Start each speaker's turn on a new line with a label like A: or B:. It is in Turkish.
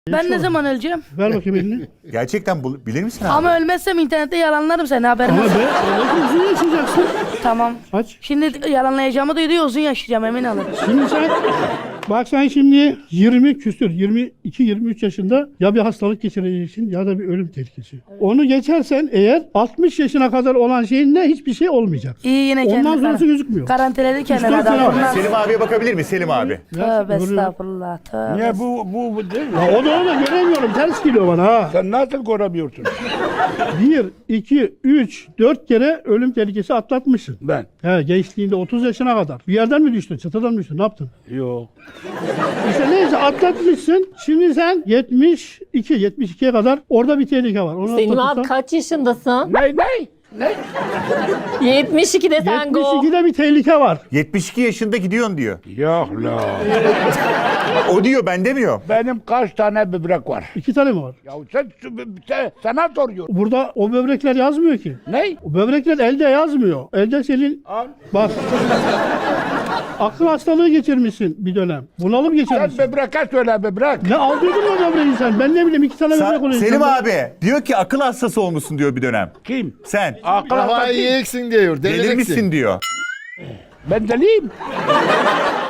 A: Ben ne zaman öleceğim?
B: Ver bakayım elini.
C: Gerçekten bilir misin abi?
A: Ama ölmezsem internette yalanlarım seni, haberin
B: Ama
A: olsun.
B: ben uzun yaşayacaksın.
A: Tamam.
B: Aç.
A: Şimdi yalanlayacağımı duyuyor, uzun yaşayacağım, emin olun.
B: Şimdi sen bak sen şimdi 20 küsür 22-23 yaşında ya bir hastalık geçireceksin ya da bir ölüm tehlikesi. Onu geçersen eğer 60 yaşına kadar olan şeyin ne hiçbir şey olmayacak.
A: İyi, yine
B: Ondan
A: kendini
B: sonrası gözükmüyor.
A: karantineli kendini
B: İşte
A: adam.
B: sen-
A: Bundan...
C: Selim abiye bakabilir mi Selim abi?
A: Tövbe
B: Görüyorum.
A: estağfurullah. Tövbe.
D: Niye bu değil mi?
B: Ya o da öyle göremiyorum. Ters geliyor bana ha.
D: Sen nasıl göremiyorsun?
B: 1, 2, 3, 4 kere ölüm tehlikesi atlatmışsın.
D: Ben.
B: He, gençliğinde 30 yaşına kadar. Bir yerden mi düştün? Çatıdan mı düştün? Ne yaptın?
D: Yok.
B: İşte neyse atlatmışsın. Şimdi sen 72'ye kadar orada bir tehlike var. Onu
E: Selim abi
B: atlatırsan-
E: kaç yaşındasın?
D: Ne?
E: 72'de sen go.
B: 72'de bir tehlike var.
C: 72 yaşında gidiyorsun diyor.
D: Yok la.
C: O diyor, ben demiyor.
D: Benim kaç tane böbrek var?
B: 2 tane mi var?
D: Ya sen sana soruyorum.
B: Burada o böbrekler yazmıyor ki.
D: Ne?
B: O böbrekler elde yazmıyor. Elde senin
D: Al.
B: bak. Akıl hastalığı geçirmişsin bir dönem. Bunalım
D: Sen
B: geçirmişsin.
D: böbreke söyle böbrek.
B: Ne aldırdın o böbreği sen? Ben ne bileyim 2 tane böbrek oluyor.
C: Selim
B: insanda.
C: abi diyor ki akıl hastası olmuşsun diyor bir dönem.
D: Kim?
C: Sen
D: Akıl
F: Kafayı
D: hastası.
F: yiyeceksin diyor. Delireceksin.
C: delirmişsin diyor.
D: Ben deliyim.